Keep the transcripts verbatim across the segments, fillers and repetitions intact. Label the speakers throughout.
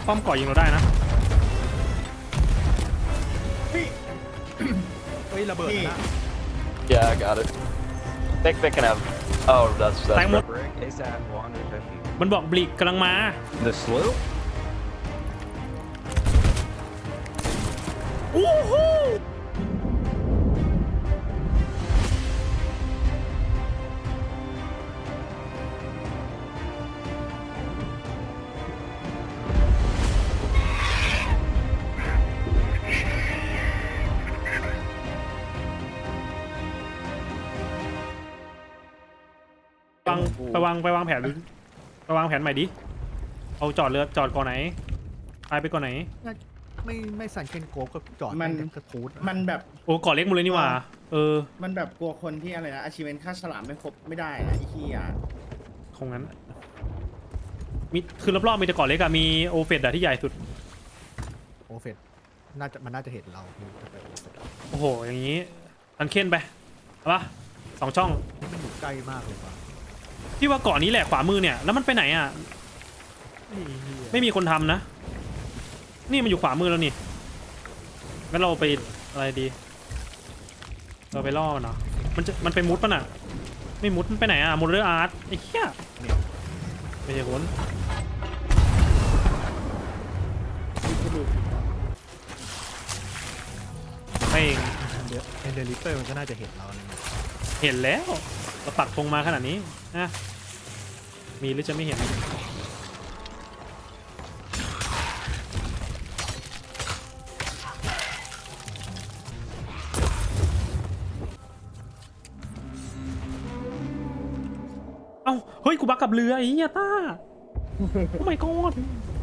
Speaker 1: ป้อมก่อยิงเราได้นะ
Speaker 2: เฮ้ย
Speaker 3: เฮ้ยระเบิดนะ
Speaker 4: Yeah, I got it. Think they can have. Oh, that's that's.
Speaker 1: Thank you.
Speaker 4: Brick.
Speaker 5: ASAP one fifty.
Speaker 1: มันบอกบลิกกำลังมา
Speaker 5: The sloop?
Speaker 1: อู้หูวางไปวางไปวางแผนไปวางแผนใหม่ดิเอาจอดเรือจอดก่อนไหนไปไปก่อนไหน
Speaker 3: ไม่ไม่สันเคนโกก็จอด
Speaker 2: มัน
Speaker 3: กระทูด
Speaker 2: มันแบบ
Speaker 1: โอ้ก่อเล็กหมดเลยนี่หว่าเออ
Speaker 2: มันแบบกลัวคนที่อะไรนะอาชีพค่าฉลามไม่ครบไม่ได้นะไอ้ขี้อ่ะ
Speaker 1: คงงั้นมีคือรอบๆมีแต่ก่อเล็กอะมีโอเฟดอะที่ใหญ่สุด
Speaker 3: โอเฟตน่าจะมันน่าจะเห็นเราคือจะไปโอเฟต
Speaker 1: โอ้โหอย่างนี้อันเค้นไปเอาปะสองช่อง
Speaker 3: มันอยู่ใกล้มากเลยว่ะ
Speaker 1: พี่ว่าเกาะนี้แหละขวามือเนี่ยแล้วมันไปไหนอะ
Speaker 3: นี่เหี้ย
Speaker 1: ไม่มีคนทำนะนี่มันอยู่ขวามือแล้วนี่งั้นเราไปอะไรดี เราไปล่อมันเนาะมันจะมันไปมุดป่ะน่ะไม่มุดมันไปไหนอะมุดเรืออาร์ตไอ้เหี้ยไม่ใช่คนไม่เอง
Speaker 3: เดอะเอนเดอร์ลิเตอร์มันก็น่าจะเห็นเราเลย
Speaker 1: เห็นแล้วเราปักธงมาขนาดนี้นะมีหรือจะไม่เห็นเอ้าเฮ้ยกูบักกับเรือไอ้เหี้ยต้าโอ้ my god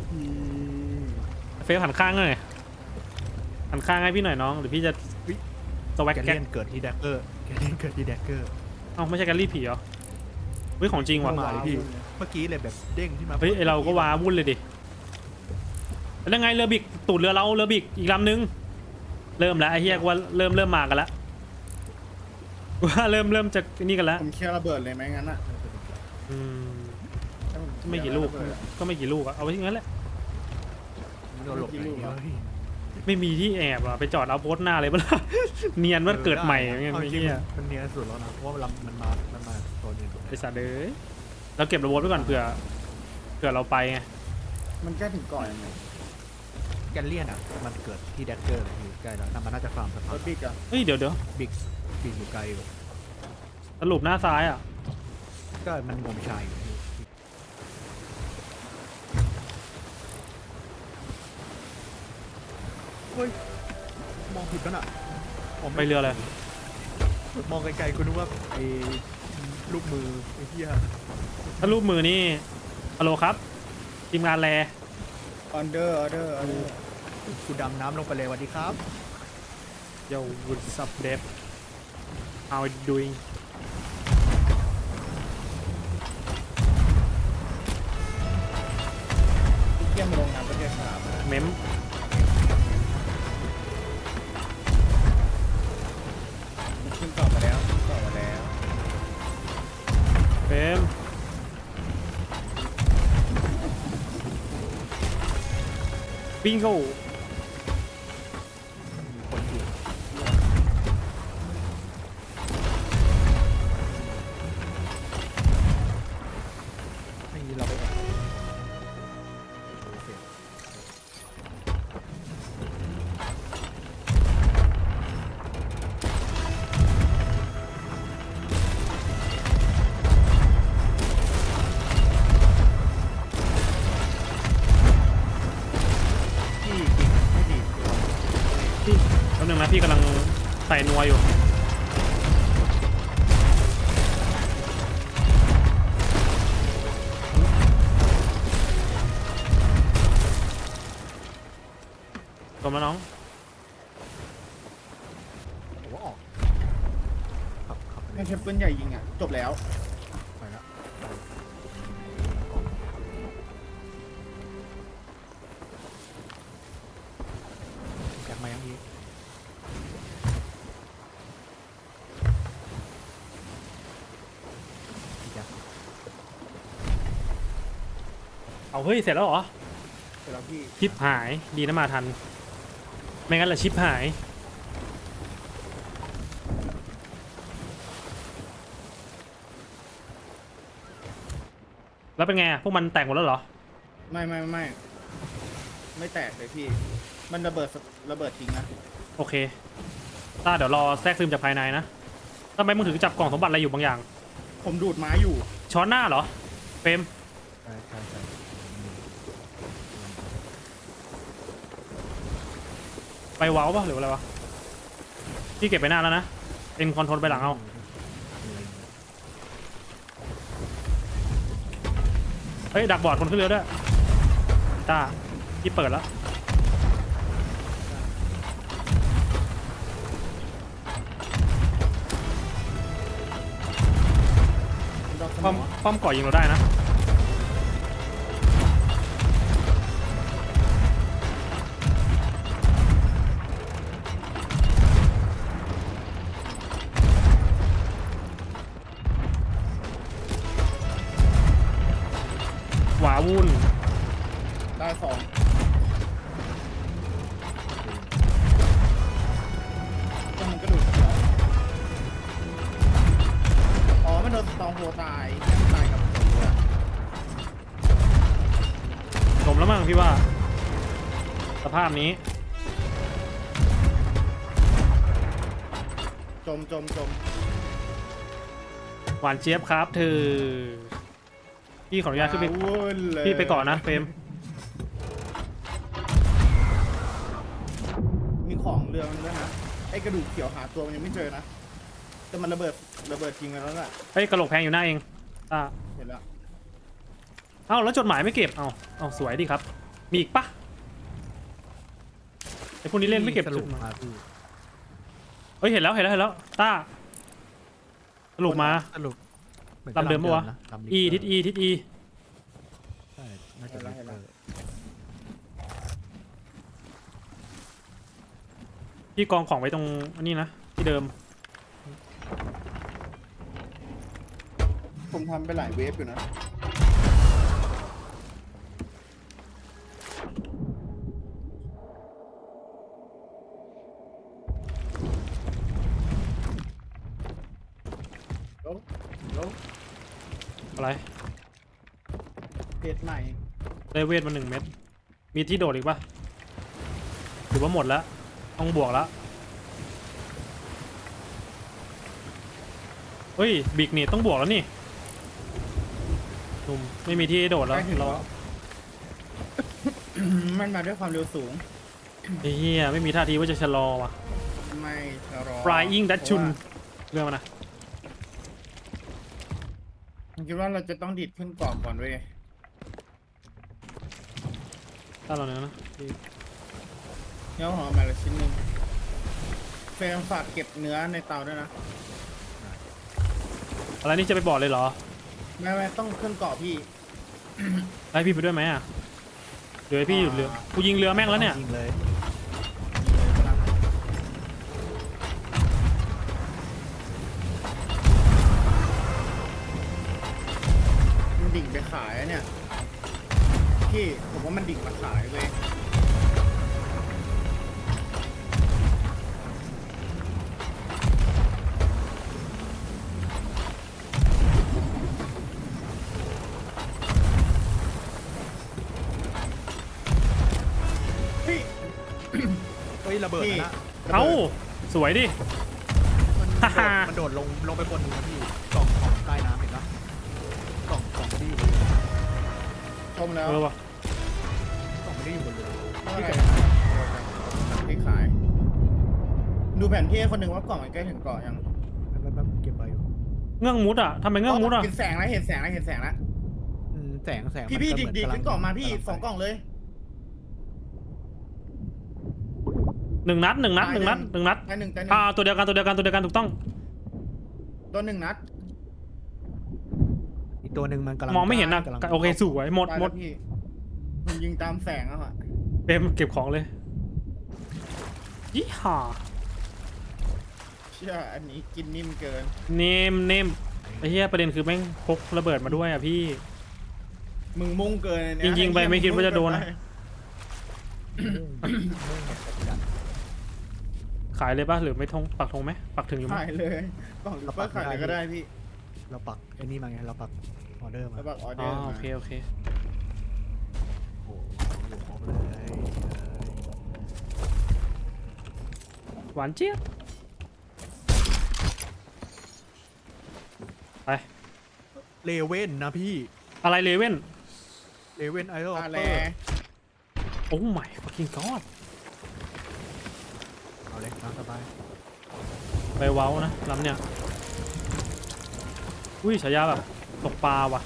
Speaker 1: เฟลหันข้างหน่อยหันข้างให้พี่หน่อยน้องหรือพี่จะสวัก
Speaker 3: แก
Speaker 1: แก๊
Speaker 3: เลี
Speaker 1: ก
Speaker 3: ยนเกิดที่แดกเกอร์แกเลียนเกิดที่แดกเกอร์
Speaker 1: เอ้าไม่ใช่แกลลี่ผีเหรอเฮ้ยของจริงว่ะ
Speaker 3: มาเลยพี่เมื่อกี้เลยแบบเด้งที่มา
Speaker 1: เฮ้ยไอเราก็ว้าวุ่นเลยดิแล้วไงเรือบิกตูดเรือเราเรือบิกอีกลำนึงเริ่มแล้วไอ้เฮียกว่าเริ่มเริ่มมากันแล้วว่าเริ่มเริ่มจะนี่กันแล้ว
Speaker 2: ผมเคลียร์ระเบิดเลยไหมงั้นอ่ะ
Speaker 1: อืม
Speaker 2: ถ้าผเคยร์
Speaker 1: ไม่กี่ลูก
Speaker 2: ระเบิดอะ
Speaker 1: ก็ไม่กี่ลูกอะเอาไว้ที่งั้นแหละ
Speaker 3: เราหลบไหนเฮ้ย
Speaker 1: ไม่มีที่แอบอะไปจอดเอาโพสต์หน้าเลยปะล่ะ เนียนว่าเกิดใหม่อย่างเงี้ย
Speaker 3: อา
Speaker 1: ไอ้
Speaker 3: จริง
Speaker 1: เหี้ย
Speaker 3: มันเนียนสุดแล้วนะเพราะว่ามันมามันมาตัวนี้
Speaker 1: ไอสัตว์เอ้ยเราเก็บระบบไว้ก่อนเผื่อเผื่อเราไปไง
Speaker 2: มันใกล้ถึงก่อนยังไง
Speaker 3: แกเลียนอ่ะมันเกิดที่แดกเกอร์เลยอยู่ใกล้แล้วน่ามันน่าจะฟาร์มสะพาร น
Speaker 2: ถบิ๊กอ่ะ
Speaker 1: เฮ้ยเดี๋ยวเดี๋ยว
Speaker 3: บิ๊กบิ๊กอยู่ไกลอยู่
Speaker 1: สรุปหน้าซ้ายอะ
Speaker 3: ก็มันงมชายอยู่เฮ้ยมองผิดกันอ่ะผม
Speaker 1: ไปเรือเลย
Speaker 3: มองไกลๆกูนึกว่าไอ้ลูกมือไอ้เหี้ย
Speaker 1: ถ้ารูปมือนี่ฮัลโหลครับทีมงานแล
Speaker 2: ออเดอร์ออเดอร์ออเดอร์
Speaker 3: กูดำน้ำลงไปเลยสวัสดีครับ
Speaker 1: Yo what's up Dave how are you doing
Speaker 2: ที่เที่ยมมาลงน้ำประเทศฉลามนะ
Speaker 1: เมม
Speaker 2: มันขึ้นต่อมาแล้วขึ้นต่อมาแล้ว
Speaker 1: เฟมบิงโก
Speaker 3: มีคนอยู่ให้เราไปก่อนโอเค พี่กินไม่ดี
Speaker 1: พี่แป๊บนึงนะพี่กำลังใส่นัวอยู่จบแล้วน้อง
Speaker 3: ผมว่าออกขับขับไป
Speaker 2: นั่นเทปปืนใหญ่ยิงอ่ะจบแล้ว
Speaker 3: ไปแล้วแจกมายังอีกแจก
Speaker 1: เอาเฮ้ยเสร็จแล้วเหรอ
Speaker 2: ร็จแล้วพี่
Speaker 1: ชิปหายดีนะมาทัน ไม่งั้นละชิปหาย แล้วเป็นไงอะพวกมันแตกหมดแล้วเหรอ
Speaker 2: ไม่ไม่ไม่ไม่แตกเลยพี่ มันระเบิดระเบิดทิ้งนะ
Speaker 1: โอเคต้าเดี๋ยวรอแทรกซึมจากภายในนะทำไมมึงถึงจับกล่องสมบัติอะไรอยู่บางอย่าง
Speaker 2: ผมดูดไม้อยู่
Speaker 1: ช้อนหน้าเหรอเฟรม
Speaker 3: ใช่ใช่ใช่
Speaker 1: ไปเว้าป่ะหรืออะไรวะพี่เก็บไปหน้าแล้วนะเป็นคอนโทรลไปหลังเอาเฮ้ยดักบอร์ดคนขึ้นเรือด้วยต้าพี่เปิดแล้ว
Speaker 2: ดอกส
Speaker 1: ป้อม
Speaker 2: มอ
Speaker 1: ป้อมก่อยิงเราได้นะหวาวุ่น
Speaker 2: ได้สองก็มันก็ดูดสองอ๋อมันโดนตองโหตายตายกับผมด้วย
Speaker 1: จมแล้วมั้งพี่ว่า สภาพนี้
Speaker 2: จมจมจม
Speaker 1: หวานเจี๊ยบครับเธอพี่ขออนุญาตขึ้นไป
Speaker 2: ว้าวุ่นเลย
Speaker 1: พี่ไปก่อนนะเฟรม
Speaker 2: มีของเรือมันด้วยนะไอ้กระดูกเขียวหาตัวมันยังไม่เจอนะแต่มันระเบิดระเบิดทิ้งไปแล้วแหละ
Speaker 1: เฮ้ยกระโหลกแพงอยู่หน้าเองอ่า
Speaker 2: เห็นแล้ว
Speaker 1: เอ้าแล้วจดหมายไม่เก็บเอ้าเอ้าสวยดีครับ มีอีกปะไอ้พวกนี้เล่นไม่เก็บ
Speaker 3: ส
Speaker 1: จ
Speaker 3: รุป
Speaker 1: ดหมาย
Speaker 3: มาพี่
Speaker 1: เฮ้ยเห็นแล้วเห็นแล้วเห็นแล้วต้าสรุปมา
Speaker 3: สรุปหอน
Speaker 1: ลำเดิมปะวะ
Speaker 3: นลำลิฟ
Speaker 1: อี
Speaker 3: ต์
Speaker 1: ทิศอีทิศอี
Speaker 3: ใช่น่าจะลิฟต์เออ
Speaker 1: พี่กองของไว้ตรงอันนี้นะที่เดิม
Speaker 2: ผมทำไปหลายเวฟอยู่นะโอ้โห
Speaker 1: อะไร
Speaker 2: เพจใหม่
Speaker 1: ได้เวทมาหนึ่งเม็ดมีที่โดดอีกปะหรือว่าหมดแล้วต้องบวกแล้วเฮ้ยบิกนี่ต้องบวกแล้วนี่หนุ่มไม่มีที่ให้โดดแล้ว
Speaker 2: ใกล้ถึง
Speaker 1: เรา
Speaker 2: แล้ว มันมาด้วยความเร็วสูง
Speaker 1: ไอ้เหี้ยไม่มีท่าทีว่าจะชะลอว่ะ
Speaker 2: ไม่ชะลอ
Speaker 1: Flying Dutch ชุน
Speaker 2: เพราะว่า
Speaker 1: เรื่องมันนะ
Speaker 2: ผมคิดว่าเราจะต้องดิดขึ้นเกาะก่อนเว้ย
Speaker 1: ถ้าเราเนี้ยนะพี่
Speaker 2: เนื้อหอมมาละชิ้นหนึ่งเฟรมฝากเก็บเนื้อในเตาด้วยนะ
Speaker 1: อะไรนี่จะไปบอกเลยเหรอ
Speaker 2: ไม่ไม่ต้องขึ้นเกาะพี่
Speaker 1: ให้พี่ไปด้วยไหมอ่ะเดี๋ยวให้พี่หยุดเรือกูยิงเรือแม่งแล้วเนี่ย
Speaker 3: จริงเลย
Speaker 2: มันดิ่งไปขายอะเนี่ย พี่ผมว่ามันดิ่งมาขายเว้ยพี่
Speaker 3: เฮ้ยระเบิด
Speaker 2: พี่
Speaker 3: นะ
Speaker 1: เอ้าสวยดิ
Speaker 3: มัน
Speaker 1: ฮ่าฮ่า
Speaker 3: มันโดดลงลงไปบนนึงนะพี่กล่องของใต้น้ำเห็นปะกล่องกล่องที่อยู่บนเรือ
Speaker 2: ชมแล้ว
Speaker 1: เออวะ
Speaker 3: กล่องไม่ได้อยู่บนเรือ
Speaker 2: ที่เกิดที่ขาย ดูแผนที่ให้คนหนึ่งว่ากล่องมันใกล้ถึงเกาะยัง
Speaker 3: แป๊บๆเก็บไปอยู่
Speaker 1: เงื่องมุดอ่ะทำไมเงื่องมุดอ่ะ
Speaker 2: เห็นแสงแล้วเห็นแสงแล้วเห็นแสงแล้ว
Speaker 3: อืมแสงแสง
Speaker 2: พี่
Speaker 3: มัน
Speaker 2: พี่
Speaker 3: ก็
Speaker 2: ดิ
Speaker 3: เห
Speaker 2: ด
Speaker 3: มือน
Speaker 2: ดิด
Speaker 3: กำลั
Speaker 2: ขึ้นกล่องมาพี่
Speaker 3: กำลั
Speaker 2: สอง
Speaker 3: ไป
Speaker 2: กล่องเลย
Speaker 1: หนึ่งนัดหนึ่งนัดหนึ่งนัดหนึ่งนัด
Speaker 2: ได้หนึ่งได้หนึ่
Speaker 1: อ่าง ตัวเดียวกันตัวเดียวกันตัวเดียวกันถูกต้อง
Speaker 2: ตัวหนึ่งนัด
Speaker 3: อีกตัวหนึ่งมันกำลัง
Speaker 1: มองไม่เห็นนะ
Speaker 3: กำลัง
Speaker 1: โอเคสวยหมด
Speaker 2: ได้
Speaker 1: หม
Speaker 2: แล้
Speaker 1: ด
Speaker 2: วพี่มันยิงตามแสงอะค่ะ
Speaker 1: เต็มเก็บของเลยยี่ห้า
Speaker 2: เชื่ออันนี้กินนิ่มเกิน
Speaker 1: เนมเนมไอ้เหี้ยประเด็นคือแม่งพกระเบิดมาด้วยอ่ะพี่
Speaker 2: มึงมุ่งเกินอันเนี้
Speaker 1: จริงๆไปไม่คิดว่าจะโดนนะ
Speaker 2: ไ
Speaker 1: ขายเลยป่ะหรือไม่ทงปักธงไหมปักถึงอยู่ไหม
Speaker 2: ขายเลยกล่องลิปเปอร์ขายเลยก็ได้พี่
Speaker 3: เราปักไอ้นี่มาไงเราปักออเดอร์มา
Speaker 2: แล้วบอกออเด
Speaker 1: อ๋
Speaker 2: อ
Speaker 1: อ
Speaker 2: ร์
Speaker 1: โอ
Speaker 2: มา
Speaker 1: เคโอเค
Speaker 3: โอ้โหอยู่ครบเลยเลย
Speaker 1: หวานเจี๊ยบไป
Speaker 3: เลเว่นนะพี่
Speaker 1: อะไรเลเว่น
Speaker 3: เลเว่นไอรอน
Speaker 2: ตา
Speaker 3: เป
Speaker 2: แล
Speaker 3: อร์
Speaker 1: โอ้ my fucking god
Speaker 3: เอาเลยตามสบาย
Speaker 1: ไปเว้านะลำเนี่ยอุ้ยฉายาแบบตกปลาว่ะ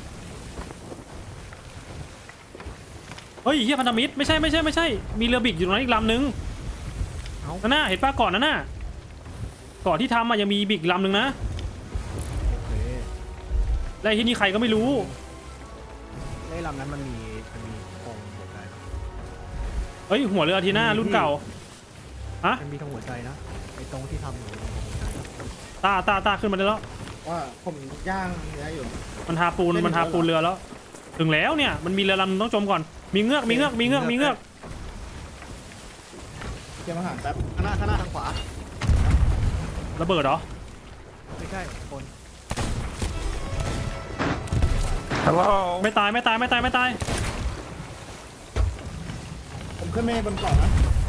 Speaker 1: เฮ้ยเฮียพันธมิตรไม่ใช่ไม่ใช่ไม่ใช่มีเรือบิกอยู่ตรงนั้นอีกลำนึง
Speaker 3: เอ้า
Speaker 1: นั่นน่ะเห็นป้าก่อนนั่นน่ะก่อนที่ทำอ่ะยังมีบิกลำนึงนะ
Speaker 3: โอเค
Speaker 1: และไอ้ที่นี่ใครก็ไม่รู้
Speaker 3: ไอ้ลำนั้นมันมีมันมีธงหัวใจ
Speaker 1: เฮ้ยหัวเรืออาทีน่ารุ่นเก่าฮะ
Speaker 3: มันมีธงหัวใจนะไอ้ตรงที่ทำอยู่ตรงหัวใจ
Speaker 1: ตาตาตาขึ้นมาได้แล้ว
Speaker 2: ว่าผมย่างเนื้ออยู่
Speaker 1: มันทาปูนมันทาปูนเรือแล้ว ถึงแล้วเนี่ยมันมีเรือลำนึงต้องจมก่อนมีเงือกมีเงือกมีเงือกมีเงือก
Speaker 2: เตรียมอาหารแป๊บ
Speaker 3: ข้างหน้าข้างหน้าทางขวา
Speaker 1: ระเบิดเหรอ
Speaker 3: ไม่ใช่คน
Speaker 5: Hello.
Speaker 1: ไม่ตายไม่ตายไม่ตายไม่ตาย
Speaker 2: ผมขึ้นไม่บนเกาะนะ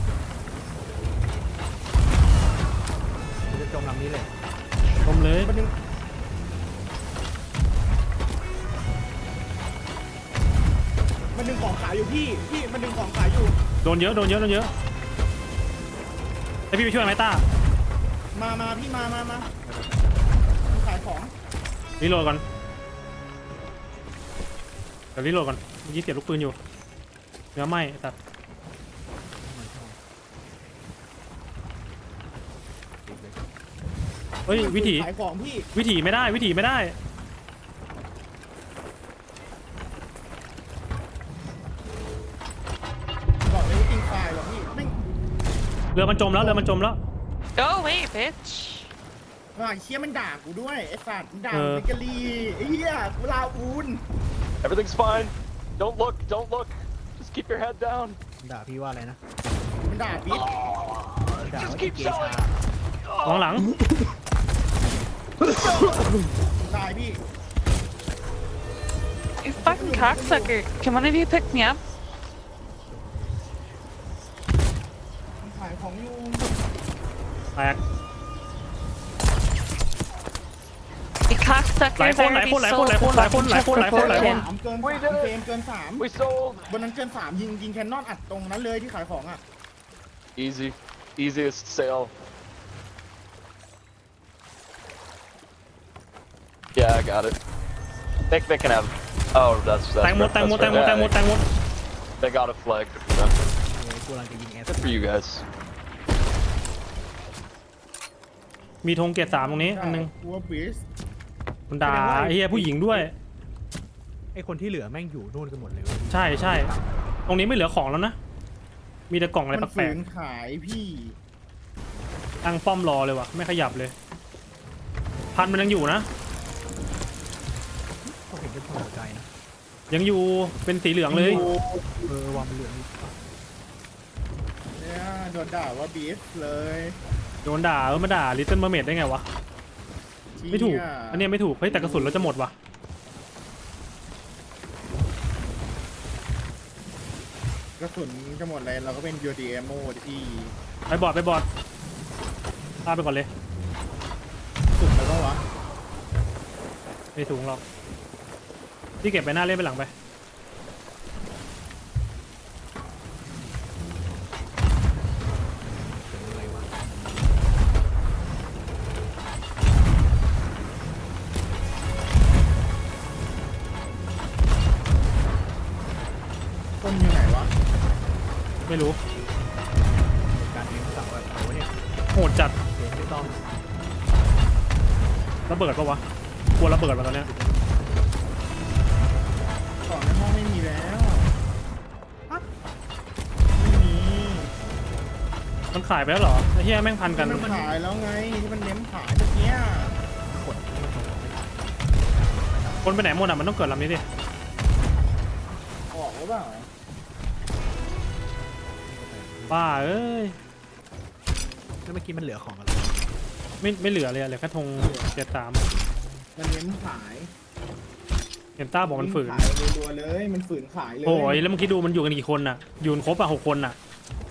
Speaker 3: มันจะจมลำนี้เลย
Speaker 1: จมเลย
Speaker 2: มันดึงมันดึงของขายอยู่พี่พี่มันดึงของขายอยู่
Speaker 1: โดนเยอะโดนเยอะโดนเยอะไอพี่ไปช่วยไหมต้า
Speaker 2: มามาพี่มามามามันขายของ
Speaker 1: รีโหลดก่อนเดี๋ยวรีโหลดก่อนเมื่อกี้เสียบลูกปืนอยู่เนื้อไหม้สัตว์เฮ้ยวิถี
Speaker 2: ขายของพี่
Speaker 1: วิถีไม่ได้วิถีไม่ได้
Speaker 2: บอกเลยว่ากินควายหรอกพี่ไม่
Speaker 1: เรือมันจมแล้วเรือมันจมแล้ว
Speaker 6: Go away, bitch.
Speaker 2: ว่าไอ้เชี่ยมันด่ากูด้วยไอ้สัตว์มันด่า
Speaker 1: เออ
Speaker 2: เบเกอรี่ไอ้เหี้ยกูลาอูน
Speaker 4: Everything's fine. Don't look, don't look. Just keep your head down.
Speaker 3: ด่าพี่ว่าอะไรนะ
Speaker 2: มันด่าบิ๊ก
Speaker 3: ด่า
Speaker 4: Just
Speaker 3: ว่า
Speaker 4: keep
Speaker 3: เกชา
Speaker 4: going.
Speaker 1: มองหลัง
Speaker 2: ตายพี่
Speaker 6: You fucking cocksucker. Can one of you pick me up?
Speaker 2: มันขายของอยู่
Speaker 1: แตก
Speaker 6: You cocksuckers
Speaker 1: หลายคนหลาย
Speaker 6: already
Speaker 1: คนหลายคน
Speaker 6: sold
Speaker 1: หลายคนหลายคนหลายคนหลายคนหลายคน
Speaker 2: สามเกิน
Speaker 4: We
Speaker 2: สาม
Speaker 4: did it
Speaker 2: เกมเกินสาม
Speaker 4: We sold.
Speaker 2: บนนั้นเกินสามยิงยิงแคนนอนอัดตรงนั้นเลยที่ขายของอ่ะ
Speaker 4: Easy, easiest sale. Yeah, I got it. They, they can have. Oh, that's
Speaker 1: แต
Speaker 4: that's.
Speaker 1: งหมดแตงหมดแตงหมดแตงหมดแตงหมด
Speaker 4: They got a flag. You know.
Speaker 3: เออกูกำลังจะยิงแอส
Speaker 4: Good for you guys.
Speaker 1: มีธงเกียรติสามตรงนี้อันนึง
Speaker 2: วัวบีส
Speaker 1: มันด่าไอ้เหี้ยผู้หญิงด้วย
Speaker 3: ไอ้คนที่เหลือแม่งอยู่นู่นกันหมดเลยเว้ย
Speaker 1: ใช่ใช่ตรงนี้ไม่เหลือของแล้วนะ มีแต่กล่องอะไร
Speaker 2: มัน
Speaker 1: แปล
Speaker 2: ฝื
Speaker 1: ก
Speaker 2: นขายพี่
Speaker 1: ๆตั้งป้อมรอเลยว่ะไม่ขยับเลย พันมันยังอยู่นะ
Speaker 3: ก็เห็นเป็นคนหัวใจนะ
Speaker 1: ยังอยู่เป็นสีเหลืองเลย
Speaker 3: เออวางเป็นเหลืองนี่
Speaker 2: เนี่ยโดนด่าว่าบีสเลย
Speaker 1: โดนด่าเออมาด่าลิตเติ้ลเมอร์เมดได้ไงวะไม่ถูก
Speaker 2: เชี่ย
Speaker 1: อันเนี้ยไม่ถูกเฮ้ยแต่กระสุนเราจะหมดว่ะ
Speaker 2: กระสุนจะหมดเลยเราก็เป็นยูดีเอโมที่
Speaker 1: ไปบอดไปบอดพาไปก่อนเลย
Speaker 2: สุดแล้วก็วะ
Speaker 1: ไม่ถุงหรอกพี่เก็บไปหน้าเล่นไปหลังไป
Speaker 3: เป็นอะไรวะ
Speaker 2: ต้นอยู่ไหนวะ
Speaker 1: ไม่รู้
Speaker 3: การเลี้ยงสัตว์แบบไหนวะเนี่ย
Speaker 1: โหดจัด
Speaker 3: เสียงไม่ต้อง
Speaker 1: ระเบิดปะวะกลัวระเบิดมาตอนเนี้ย
Speaker 2: ของในห้องไม่มีแล้วไม่มี
Speaker 1: มันขายไปแล้วเหรอไอ้เหี้ยแม่งพันกัน
Speaker 2: มันขายแล้วไงที่มันเน้นขายเมื่อกี้
Speaker 3: กดที่มันตรงไม่ได้
Speaker 1: คนไปไหนหมดอ่ะมันต้องเกิดลำนี้ดิ
Speaker 2: ออกหรือเปล่า
Speaker 3: นี่ก็ไป
Speaker 1: ป้าเอ้ย
Speaker 3: แล้วเมื่อกี้มันเหลือของอะไร
Speaker 1: ไม่ไม่เหลือเลยอะเหลือแค่ธงเจ็ดสาม
Speaker 2: มันเน้นขาย
Speaker 1: เห็นต้าบอกมันฝืน
Speaker 2: ขายรัวๆเลย มันฝืนขายเลย
Speaker 1: โอ้ยแล้วเมื่อกี้ดูมันอยู่กันกี่คนน่ะอยูนครบอ่ะหกคนน่ะ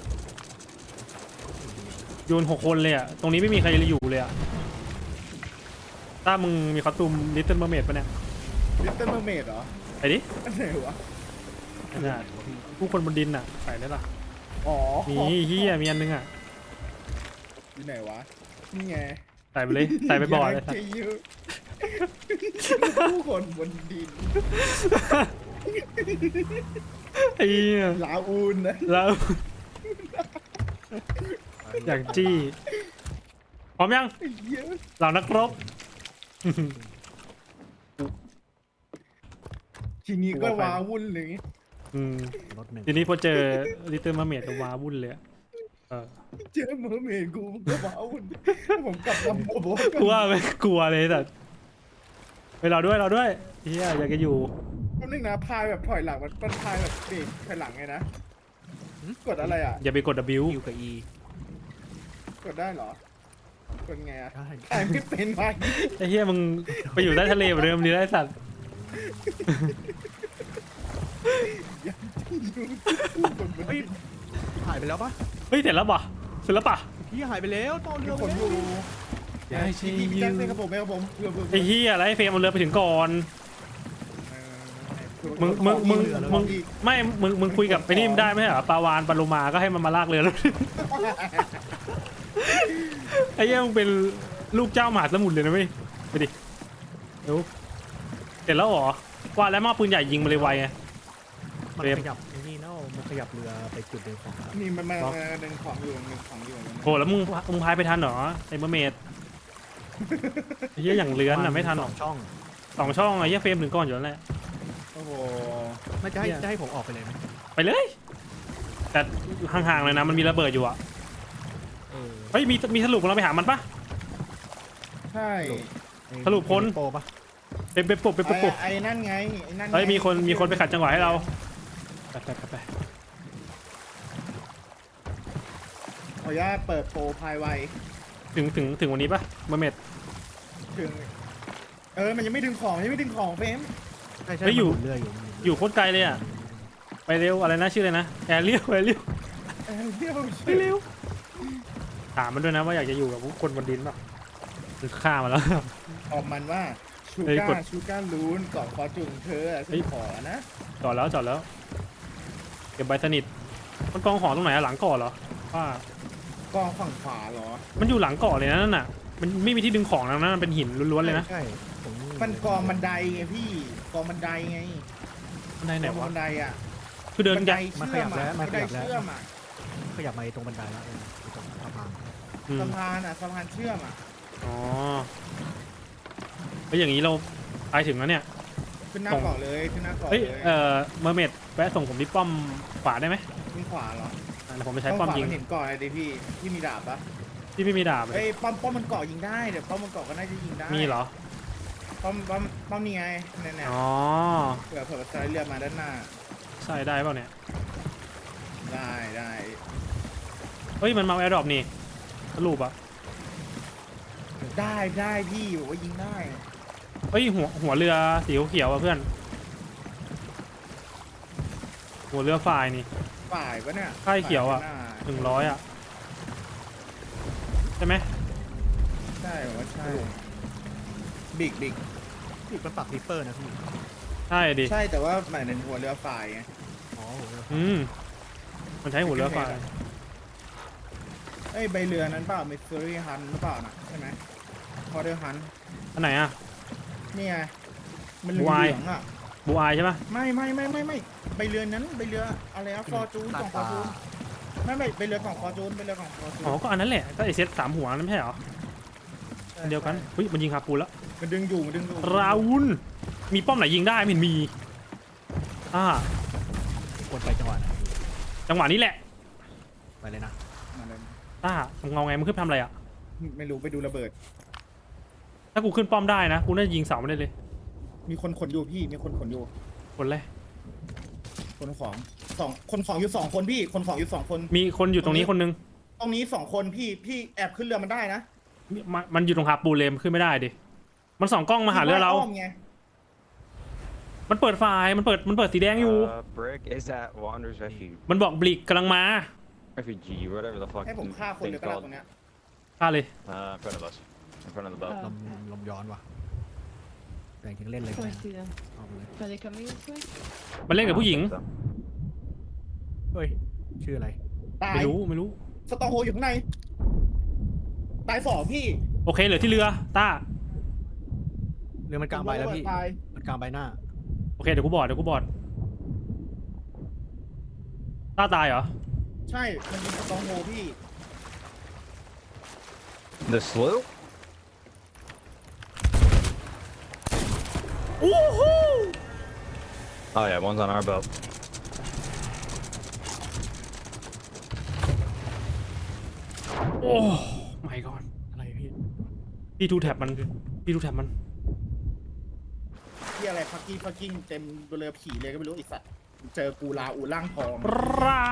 Speaker 1: อยูนหกคนเลยอ่ะตรงนี้ไม่มีใครอยู่เลยอ่ะต้ามึงมีคอสตูมลิตเติ้ลเมอร์เมดปะเนี่ย
Speaker 2: ลิตเติ้ลเมอร์เมดเหรอ
Speaker 1: ไปดิ
Speaker 2: อันไหนวะ
Speaker 1: ไม่ได้ผู้คนบนดินน่ะใส่ได้ล่ะ
Speaker 2: อ๋อ
Speaker 1: มีเฮียมีอันนึงอ่ะ
Speaker 2: อยู่ไหนวะ นี่ไง
Speaker 1: ใส่ไปเลยใส่ไปบ่อเลย
Speaker 2: ากจะยืมผู้คนบนดิน
Speaker 1: ไอ้เหี้ย
Speaker 2: ลาอูนนะ
Speaker 1: แล้ว อย่างจี้พร้อมยัง
Speaker 2: ไอ้เหี้ย
Speaker 1: เหล่านักรบ
Speaker 2: ทีนี้ก็ว้าวุ่นเลย
Speaker 1: อืม
Speaker 3: รถหนึ่ง
Speaker 1: ทีนี้พอเจอลิตเติ้ลมาเมดก็ว้าวุ่นเลยอะเออ
Speaker 2: เจอเมอร์เมดกูก็ว้าวุ่นผมกลับลำโบก
Speaker 1: กลัวไหมกลัวเลยแต่ไปเราด้วยเราด้วยเฮียอยากจะอยู่
Speaker 2: แป๊บนึงนะพายแบบถอยหลังมันมันพายแบบเบรกถอยหลังไงนะกดอะไรอ่ะ
Speaker 1: อย่าไปกด W
Speaker 3: คิวกับ E
Speaker 2: กดได้เหรอ กดไงอ่ะ
Speaker 3: ได้
Speaker 2: อ่านไม่เป็นวะ
Speaker 1: ไอ้เฮียมึงไปอยู่ใต้ทะเลเหมือนเดิมดีได้สัตว์
Speaker 3: เฮ้ยหายไปแล้วปะ
Speaker 1: เฮ้ยเสร็จแล้วป่ะเสร็จแล้วป่ะ
Speaker 3: พี่หายไปแล้วตอน
Speaker 2: มี
Speaker 3: เรือ
Speaker 2: คนอยู่
Speaker 1: อย่าให้
Speaker 2: พี่พี่แจ็คเป็นกระผมเป็นกระผมเพื่อเพื่อ
Speaker 1: ไอ้เฮียอะไรไอ้เฟรมมันเรือไปถึงก่อน
Speaker 2: เออ
Speaker 1: มึงมึงมึงมึง
Speaker 2: อีก
Speaker 1: ไม่มึงมึงคุยกับไอ้นี่ได้ไหมเหรอปลาวานปลาโลมาก็ให้มันมาลากเรือแล้ว ไอ้เหี้ยมึงเป็นลูกเจ้ามหาสมุทรเลยนะเว้ยไปดิเดี๋ยวเสร็จแล้วเหรอว่าแล้วมอบปืนใหญ่ยิงมาเลยไวไง
Speaker 3: มัน
Speaker 1: เรียบ
Speaker 3: ขยับไอ้นี่เนาะมันขยับเรือไปจุดเดิมของแล้ว
Speaker 2: นี่มันมาหนึ่งของอยู่หนึ่งของอยู่
Speaker 1: โหแล้วมึงมึงพายไปทันเหรอไอ้เมอร์เมดไอ้เหี้ยอย่างเลื้อนอ่ะไม่ทันหรอก
Speaker 3: สองช่อง
Speaker 1: สองช่องไอ้เหี้ยเฟรมถึงก่อนอยู่แล้วแหละ
Speaker 2: โอ้โห
Speaker 3: น่าจะให้
Speaker 1: เหี้ย
Speaker 3: จะให้ผมออกไปเลยไหม
Speaker 1: ไปเลย แต่ห่างๆเลยนะมันมีระเบิดอยู่อ่ะ
Speaker 3: เออ
Speaker 1: เฮ้ยมีมีสรุปเราไปหามันปะ
Speaker 2: ใช่
Speaker 1: สรุปพ้น
Speaker 3: โปรปะ
Speaker 1: เป็นเป็นปุบเป็นปุบ
Speaker 2: ไอ้
Speaker 1: ปุบ
Speaker 2: ไอ้นั่นไงไอ้นั่นไง
Speaker 1: เฮ้ยมีคนมีคนไปขัดจังหวะให้เราไปไปไปไป
Speaker 2: ขออนุญาตเปิดโปรพายไว
Speaker 1: ถึงถึงถึงวันนี้ปะเมอร์เมด
Speaker 2: ถึงเออมันยังไม่ดึงของยังไม่ดึงของเฟรม
Speaker 3: ใช่ใช่
Speaker 1: เฮ้ยอยู่
Speaker 3: มันหมุนเรืออยู่มันหมุน
Speaker 1: อ
Speaker 3: เรื
Speaker 1: ยู่โคตรไกลเลยอ่ะไปเร็วอะไรนะชื่ออะไรนะแอร์เรียวแอร์เรียว
Speaker 2: เออเดี๋ยว
Speaker 1: ไปเร็วถามมันด้วยนะว่าอยากจะอยู่กับพวกคนบนดินป่ะหรือฆ่ามันแล้ว
Speaker 2: ตอบมันว่าชู
Speaker 1: เฮ้ยกด
Speaker 2: ก้าชูก้าลูนเกาะคอจุงเธอ
Speaker 1: เฮ้
Speaker 2: ฉัน
Speaker 1: ย
Speaker 2: ขอนะ
Speaker 1: จอดแล้วจอดแล้วเก็บใบสนิทมันกองของตรงไหนอะหลังเกาะเหรอว่าก
Speaker 2: องฝั่งขวาเหรอ
Speaker 1: มันอยู่หลังเกาะเลยนะนั่นน่ะมันไม่มีที่ดึงของนะนั่นมันเป็นหินล้วนๆเลยนะ
Speaker 3: ใช่ผม
Speaker 2: มันกองบันไดไงพี่กองบันไดไง
Speaker 1: บันไดไหน
Speaker 2: กอง
Speaker 1: วะ
Speaker 2: บันไดอ่ะ
Speaker 1: คือเดิน
Speaker 2: บัน
Speaker 1: กั
Speaker 2: ได
Speaker 1: น
Speaker 2: เชื่อมอ่ะบันไดเชื่อมอ่ะ
Speaker 3: ขยับมาตรงบันไดแล้วเออตรงสะพาน
Speaker 1: อืม
Speaker 2: สะพานอ่ะสะพานเชื่อมอ่ะ
Speaker 1: อ๋อแล้วอย่างนี้เราไปถึงแล้วเนี่ย
Speaker 2: ขึ้นหน้าเกาะเลยขึ้นหน้าเกาะ
Speaker 1: เฮ้ย
Speaker 2: เลย
Speaker 1: เอ่อเมอร์เมดแวะส่งผมที่ป้อมขวาได้ไหม
Speaker 2: ขึ้นขวาเหรอ
Speaker 1: อ่ะเดี๋ยวผมไปใช้
Speaker 2: ต้อง
Speaker 1: ป้อม
Speaker 2: ขวา
Speaker 1: ยิง
Speaker 2: มันเห็นเกาะอะไรดิพี่ที่มีดาบปะ
Speaker 1: ที่ไม่มีดาบเลย
Speaker 2: เอ้ยป้อมป้อมมันเกาะยิงได้เดี๋ยวป้อมมันเกาะก็น่าจะยิงได้
Speaker 1: มีเหรอ
Speaker 2: ป้อมป้อมป้อมนี่ไงเนี่ยเนี่ย
Speaker 1: อ๋อ
Speaker 2: เผื่อเผื่อสไลด์เรือมาด้านหน้า
Speaker 1: ใช่ได้เปล่าเนี่ย
Speaker 2: ได้ได้
Speaker 1: เฮ้ยมันมาแอร์ดรอปนี่สรุปอะ
Speaker 2: ได้ได้พี่บอกว่ายิงได้
Speaker 1: เฮ้ยหัวหัวเรือสีเขียวๆอะเพื่อน หัวเรือฝ่ายนี่
Speaker 2: ฝ่ายปะเนี่ย
Speaker 1: ใช่เขียวอะ
Speaker 2: ฝ่าด้านหน้า
Speaker 1: หนึ่งร้อยอะใช่ไหม
Speaker 2: ใช่ผมว่าใช่บิ๊กบิ๊ก
Speaker 3: พี่มันปักริปเปอร์นะพี่
Speaker 1: ใช่ดิ
Speaker 2: ใช่แต่ว่าหมายถึงหัวเรือฝ่ายไง
Speaker 3: อ๋อโหเรือ
Speaker 1: อืมมันใช้หัวเรือฝ่าย
Speaker 2: เอ้ยใบเรือนั้นเปล่ามิสซูรีฮันหรือเปล่าน่ะใช่ไหมพอเรือฮัน
Speaker 1: อันไหนอะ
Speaker 2: นี่ไงมันเหลื
Speaker 1: วาย
Speaker 2: องๆอ่ะ
Speaker 1: บูอายใช่ปะ
Speaker 2: ไม่ไม่ไม่ไม่ไม่ใบเรือนั้นใบเรืออะไรอะฟอร์จูนของฟอร์จูนไม่ไม่ใบเรือของฟอร์จูนใบเรือของฟอร์จูน
Speaker 1: อ๋อก็อันนั้นแหละก็ไอเซตสามหัวนั่นไม่ใช่เหรออันเดียวกันเฮ้ยมันยิงคาปูนแล้ว
Speaker 2: มันดึงอยู่มันดึงอยู่
Speaker 1: ราวุนมีป้อมไหนยิงได้ไม่เห็นมีอ่า
Speaker 3: ควรไปจังหวะไหนพี่
Speaker 1: จังหวะนี้แหละ
Speaker 3: ไปเลยนะ
Speaker 2: มาเลย
Speaker 1: อ่ามึงเอาไงมึงขึ้นไปทำอะไรอะ
Speaker 2: ไม่รู้ไปดูระเบิด
Speaker 1: ถ้ากูขึ้นป้อมได้นะกูน่าจะยิงเสาไม่ได้เลย
Speaker 2: มีคนขนอยู่พี่มีคนขนอยู่
Speaker 1: คนแรก
Speaker 2: ขนของฟสองคนของอยู่สองคนพี่คนของอยู่สองคน
Speaker 1: มีคนอยู่ตรงนี้คนนึง
Speaker 2: ตรงนี้สองคนพี่พี่แอบขึ้นเรือมันได้นะ
Speaker 1: มันมันอยู่ตรงหาปูเลมขึ้นไม่ได้ดิมันส่องกล้องมาหาเรือเรา
Speaker 2: พี่ว่ยมไง
Speaker 1: มันเปิดไฟมันเปิดมันเปิดสีแดงอยู่
Speaker 5: Uh, Brick is at Wander's Refuge.
Speaker 1: มันบอกบลิกกำลังมา
Speaker 5: Refugee, whatever the fuck
Speaker 2: ให้ผม
Speaker 5: the
Speaker 2: ฆ่าคนเล
Speaker 5: thing's
Speaker 2: ยก็ได้
Speaker 5: called.
Speaker 2: ตรงเนี้ย
Speaker 1: ฆ่าเลย
Speaker 4: Uh, in front of us. In front of the boat.
Speaker 3: ลมลมย้อนว่ะแต่งถึงเล่นเลย
Speaker 6: Oh, I see them.
Speaker 3: เอาไปเลย
Speaker 6: Are they coming this way?
Speaker 1: มันเล่นกับผู้หญิง
Speaker 4: So.
Speaker 3: เฮ้ยชื่ออะไร
Speaker 2: ตาย
Speaker 1: ไม่รู้ไม่รู้
Speaker 2: สตองโฮอยู่ข้างในตายสองพี่
Speaker 1: โอเคเหลือที่เรือต้า
Speaker 3: เรือมันกลางใบแล้วพี่
Speaker 2: ตาย
Speaker 3: มันกลางใบหน้า
Speaker 1: โอเคเดี๋ยวกูบอดเดี๋ยวกูบอดต้าตายเหรอ
Speaker 2: ใช่มันเป็นสตองโฮพี่
Speaker 5: The sloop?
Speaker 1: โอ้โห
Speaker 5: Oh yeah, one's on our boat.
Speaker 1: โอ้ไม่ก่อน
Speaker 3: อะไรพี่
Speaker 1: พี่ทูแท็บมันพี่ทูแท็บมัน
Speaker 2: ที่อะไรพักกี้พักกิ้งเต็มเรือผีเลยก็ไม่รู้ไอีสัตว์เจอกูลาอูร่างทอง
Speaker 1: ราว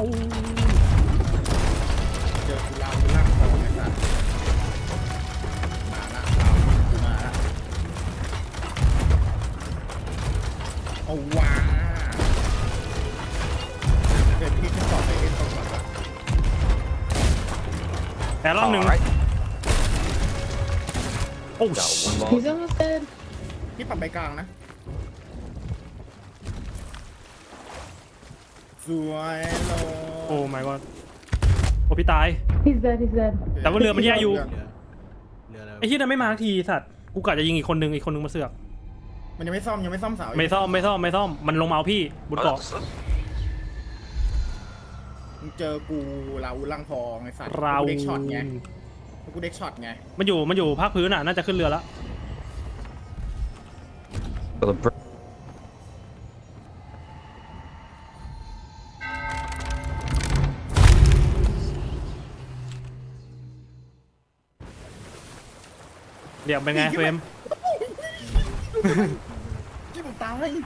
Speaker 2: เจอกูลาอูร่างทองไอ้สัตว์มาละเอากูมาละเอาว้าเดี๋ยวพี่จะสอบไปเอ็นตรงก่อนละ
Speaker 1: แต่รอบหนึ่ง
Speaker 5: Alright.
Speaker 1: โอ้
Speaker 5: Got one ball.
Speaker 6: He's almost dead.
Speaker 2: พี่ปรับไปกลางนะสวยโล
Speaker 1: โอ้ my god โอ้พี่ตาย
Speaker 6: He's dead. He's dead.
Speaker 1: แต่ว่าเรือมันแย่อยู่
Speaker 3: เรือเรืออะไร
Speaker 1: ไอ้ที่นั่นไม่มาสักทีสัตว์กูกะจะยิงอีกคนนึงอีกคนนึงมาเสือก
Speaker 2: มันยังไม่ซ่อมยังไม่ซ่อมเสา
Speaker 1: ไม่ซ่อมไม่ซ่อมไม่ซ่อมมันลงมาเอาพี่บน
Speaker 4: Oh,
Speaker 1: เกาะ
Speaker 4: that's- that's-
Speaker 2: มึงเจอกูลาอูร่างทองไอ้สัตว์
Speaker 1: ราว
Speaker 2: กูเด็กช็อตไงกูเด็กช็อตไง
Speaker 1: มันอยู่มันอยู่ภาคพื้นอ่ะน่าจะขึ้นเรือแล้ว
Speaker 5: So the brick.
Speaker 1: เดี๋ยวเป็นไงเฟรม
Speaker 2: ที่ผมตาย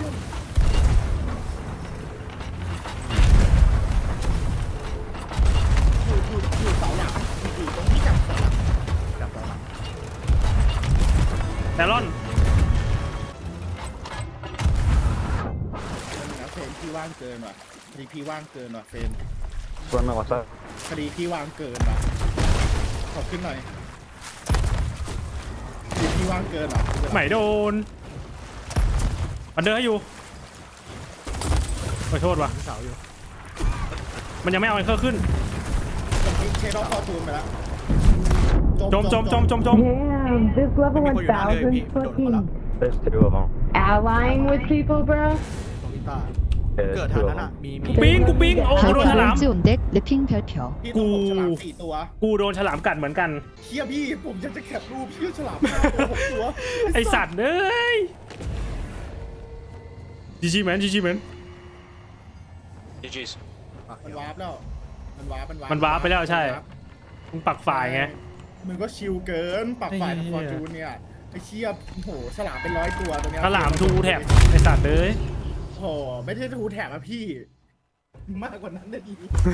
Speaker 2: อยู่อยู่อยู่เสาหลังอยู่ตรงที่จับเสาหลัง
Speaker 3: จับต่อหลัง
Speaker 1: แต่รอน
Speaker 2: นะเฟรมพี่ว่างเกินว่ะคดีพี่ว่างเกินว่ะเฟรม
Speaker 5: Run what's up?
Speaker 2: คดีพี่ว่างเกินว่ะขอขึ้นหน่อยคดีพี่ว่างเกินว่ะ
Speaker 1: ไหมโดนมันเดินให้อยู่ขอโทษว่ะ
Speaker 3: ที่เสาอยู่
Speaker 1: มันยังไม่เอาไอ้เครื่องขึ้น
Speaker 2: ผมเชดอฟคอตูนไปแล้ว
Speaker 1: จมจมจมจมจม
Speaker 7: Damn, this level
Speaker 3: ไม่มีคนอยู่หน้าเรือ
Speaker 7: one
Speaker 3: พี่
Speaker 7: thousand
Speaker 3: โดดมาละ
Speaker 7: fucking
Speaker 5: There's two of them.
Speaker 7: allying with people, bro.
Speaker 3: ตรงนี้ตา
Speaker 5: Yeah,
Speaker 3: เกิด
Speaker 5: there's
Speaker 3: ทาง
Speaker 5: two
Speaker 3: นั้น
Speaker 5: of
Speaker 3: อ่ะ
Speaker 5: them.
Speaker 3: มีมี
Speaker 1: กูปิ้งกูปิ้งโอ้โหโดนฉลาม
Speaker 7: 오른쪽 넥 래핑 별표.
Speaker 2: พี่ต้องผมฉลามสี่ตัว
Speaker 1: กูโดนฉลามกัดเหมือนกัน
Speaker 2: เชี่ยพี่ผมอยากจะแคปรูปพี่ฉลามห้าตัวหกตัว
Speaker 1: ไอสัตว์เอ้ยจีจีแมนจีจีแมน
Speaker 4: G G's.
Speaker 2: มันวาร์ปแล้วมันวาร์ปมันวาร์ป
Speaker 1: มันวาร์ปไปแล้วใช่ มึงปักฝ่ายไง
Speaker 2: มึงก็ชิลเกินปรับฝ่าย
Speaker 1: ไอ้
Speaker 2: กับ
Speaker 1: เหี้
Speaker 2: ฟอย ร์จูนเนี่ยไอ้เชี่ยโอ้โหฉลามเป็นร้อยตัวตัวเนี้ย
Speaker 1: ฉลามทูแท็บไอสัตว์เอ้ย
Speaker 2: โอ้โหไม่ใช่ทูแท็บอะพี่ มากกว่านั้นนะดี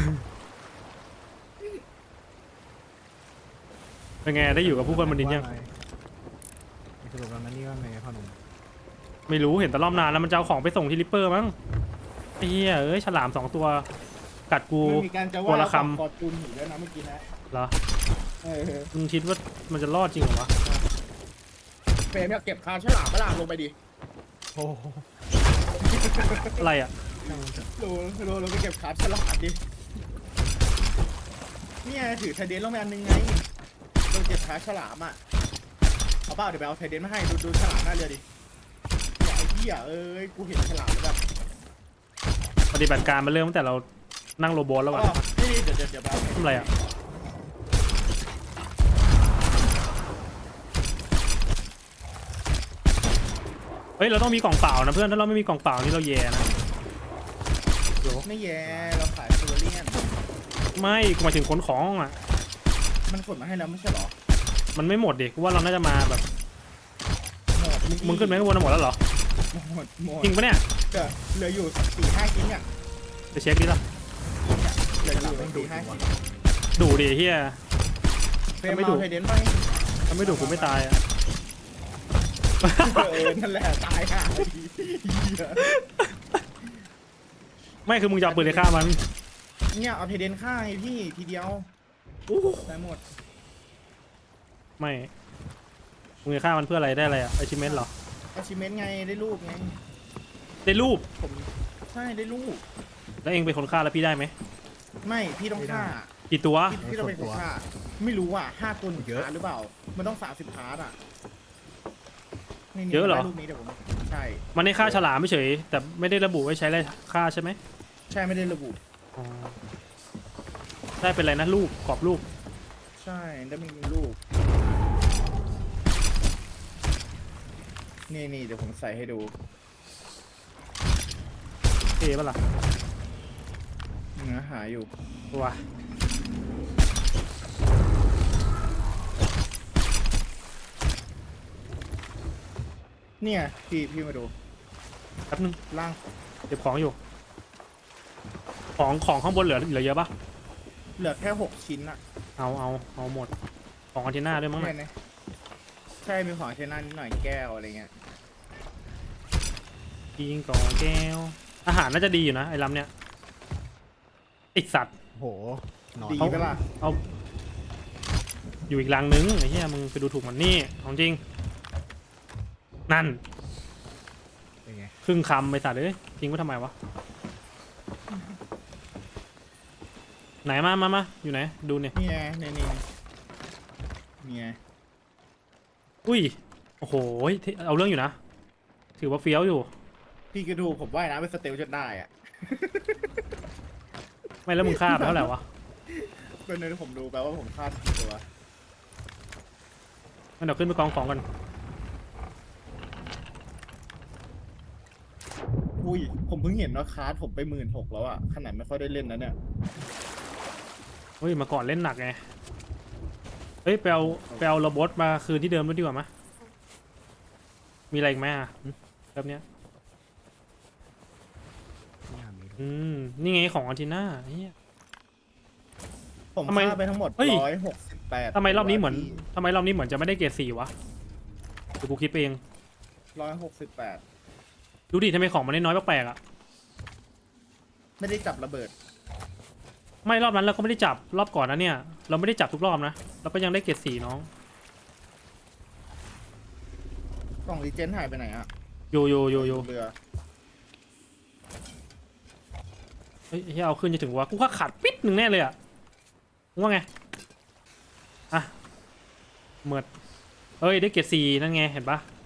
Speaker 1: เป็นไงได้อยู่กับผู้คนบนดินยัง
Speaker 3: สรุปแล้วนั่นนี่ว่าไงพ่อหนุ่ม
Speaker 1: ไม่รู้เห็นแต่รอบนานแล้วมันจะเอาของไปส่งที่ริปเปอร์มั้งไอ้เหี้ยเอ้ยฉลามสองตัวกัดกู
Speaker 2: มันมีการจะ
Speaker 1: ตัว
Speaker 2: ว่า
Speaker 1: ละค
Speaker 2: ฟอร์จูนอยู่ด้วยนะเมื่อกี้นะ
Speaker 1: ำเหรอ
Speaker 2: เออ
Speaker 1: มึงคิดว่ามันจะรอดจริงเหรอวะ
Speaker 2: เฟรมอยากเก็บคาฉลามเวลาลงไปดิ
Speaker 3: โอ้โห
Speaker 1: อะไรอ่ะ
Speaker 2: โลโลเราไปเก็บคาฉลามดิเนี่ยถือไทเดนลงไปอันนึงไงเราเก็บคาฉลามอ่ะเอาเปล่าเดี๋ยวไปเอาไทเดนมาให้ดูดูฉลามหน้าเรือดิอย่าไอ้เหี้ยเอ้ยกูเห็นฉลามแบบ
Speaker 1: ปฏิบัติการมันเริ่มตั้งแต่เรานั่งโรบอทแล้ว
Speaker 2: อ๋
Speaker 1: วะ
Speaker 2: อนี่เดี๋ยวเดี๋ยวเดี๋ยวไปเอา
Speaker 1: ทำอะไรอ่ะเฮ้ยเราต้องมีกล่องเปล่านะเพื่อนถ้าเราไม่มีกล่องเปล่านี่เราแย่นะ
Speaker 2: ไม่แย่เราขายโซลเลียน
Speaker 1: ไม่กูหมายถึงขนของอ่ะ
Speaker 2: มันขนมาให้แล้วไม่ใช่หรอ
Speaker 1: มันไม่หมดดิกูว่าเราน่าจะมาแบบ
Speaker 2: หมด
Speaker 1: มึงขึ้นไปข้างบนหมดแล้วเหรอ
Speaker 2: หมดหมด
Speaker 1: จริงปะเนี่ย
Speaker 2: เดี๋ยวเหลืออยู่สี่ห้าชิ้นอ่ะ
Speaker 1: ไปเช็คดิล่ะ
Speaker 2: เดี๋ยวดูดูให้
Speaker 1: ดูดิเฮีย
Speaker 2: เฟรมเอาไทเดนไป
Speaker 1: ถ้าไม่ดูกูไม่ตายอ่ะ
Speaker 2: เออนั่นแหละตายห่าเลยเหี้ย
Speaker 1: ไม่คือมึงจะเอาปืนเลยฆ่ามัน
Speaker 2: เนี่ยเอาไทเดนฆ่าไงพี่ทีเดียวได้หมด
Speaker 1: ไม่มึงจะฆ่ามันเพื่ออะไรได้อะไรอ่ะไอชิเมนเหรอ
Speaker 2: achievement ไงได้รูปไง
Speaker 1: ได้รูป
Speaker 2: ผมใช่ได้รูป
Speaker 1: แล้วเองเป็นคนฆ่าแล้วพี่ได้ไหม
Speaker 2: ไม่พี่ต้องฆ่า
Speaker 1: กี่ตัว
Speaker 2: พี่พี่ต้องเป็นคนฆ่าไม่รู้อ่ะห้าตัวหนึ่งพาร์ทหรือเปล่า มันต้องสามสิบพาร์ทอ่ะนี่นี่
Speaker 1: เยอะเหรอ
Speaker 2: ได้รูปนี้เดี๋ยวผมใช่
Speaker 1: มันได้ฆ่าฉลามไม่เฉยแต่ไม่ได้ระบุไว้ใช้อะไรฆ่าใช่ไหม
Speaker 2: ใช่ไม่ได้ระบุ
Speaker 1: อ๋อได้เป็นอะไรนะรูปกรอบรูป
Speaker 2: ใช่ได้มีรูปนี่นี่เดี๋ยวผมใส่ให้ดู
Speaker 1: เท่ปะล่ะ
Speaker 2: เนื้อหาอยู่
Speaker 1: ว้า
Speaker 2: เนี่ยพี่พี่มาดู
Speaker 1: แป๊บนึง
Speaker 2: ล่าง
Speaker 1: เก็บของอยู่ ของของข้างบนเหลือเหลือเยอะปะ
Speaker 2: เหลือแค่หกชิ้นอ่ะ
Speaker 1: เอาเอาเอาหมดของอันเทน่าด้วยมั้ง
Speaker 2: ใช่
Speaker 1: น่ะ
Speaker 2: ไหมใช่มีของเชน่านิดหน่อยแก้วอะไรเงี้ย
Speaker 1: ยิงกองแก้วอาหารน่าจะดีอยู่นะไอ้ลำเนี้ยไอสัตว์
Speaker 3: โหนอน
Speaker 2: ดีไปล่ะ
Speaker 1: เอาอยู่อีกลังนึงไอ้เหี้ยมึงไปดูถูกมันนี่ของจริง นั่น
Speaker 3: เป็นไง
Speaker 1: ครึ่งคำไปสัตว์เลยทิ้งไว้ทำไมวะ ไหนมามามาอยู่ไหน ดูเนี่ย
Speaker 2: นี่ไงนี่นี่นี่ไง
Speaker 1: อุ้ย โอ้โหเท่เอาเรื่องอยู่นะ ถือว่าเฟี้ยวอยู่
Speaker 2: พี่ก็ดูผมว่ายน้ำเป็นสเตลจนได้อ่ะ
Speaker 1: ไม่แล้วมึงฆ่าไปเท่าไหร่วะ
Speaker 2: เป็นในที่ผมดูแปลว่าผมคาดกี่ตัว
Speaker 1: งั้นเดี๋ยวขึ้นไปกองของกัน
Speaker 2: อุ้ยผมเพิ่งเห็นว่าคาร์ดผมไปหมื่นหกแล้วอ่ะขนาดไม่ค่อยได้เล่นนะเนี่ย
Speaker 1: เฮ้ย มาก่อนเล่นหนักไง เฮ้ยไปเอาไปเอาโรบอทมาคืนที่เดิมด้วยดีกว่ามั้ยมีอะไรอีกไหมอ่ะหึแบบเนี้ย
Speaker 3: ไม่น่ามี
Speaker 1: อืม นี่ไงของอันทีน่าเฮีย
Speaker 2: ผม
Speaker 1: ทำไม
Speaker 2: ฆ่าไปทั้งหมด
Speaker 1: เฮ้ย
Speaker 2: ร้อยหกสิบแปด
Speaker 1: ทำไมรอบนี้เหมือนทำไมรอบนี้เหมือนจะไม่ได้เกรดสี่วะเดี๋ยวกูคิดไปเอง
Speaker 2: ร้อยหกสิบแปด
Speaker 1: ดูดิทำไมของมันได้น้อยแปลกๆอ่ะ
Speaker 2: ไม่ได้จับระเบิด
Speaker 1: ไม่รอบนั้นเราก็ไม่ได้จับรอบก่อนนะเนี่ย เราไม่ได้จับทุกรอบนะเราก็ยังได้เกรดสี่น้อง
Speaker 2: กล่องรีเจนหายไปไหนอ่ะ
Speaker 1: โยโยโยโย
Speaker 2: เรือ
Speaker 1: เฮ้ยเฮ้ยเอาขึ้นจะถึงวะกูก็ขาดปิดหนึ่งแน่เลยอ่ะมึงว่าไงอ่ะเหมือดเอ้ยได้เกรดสี่นั่นไงเห็นปะ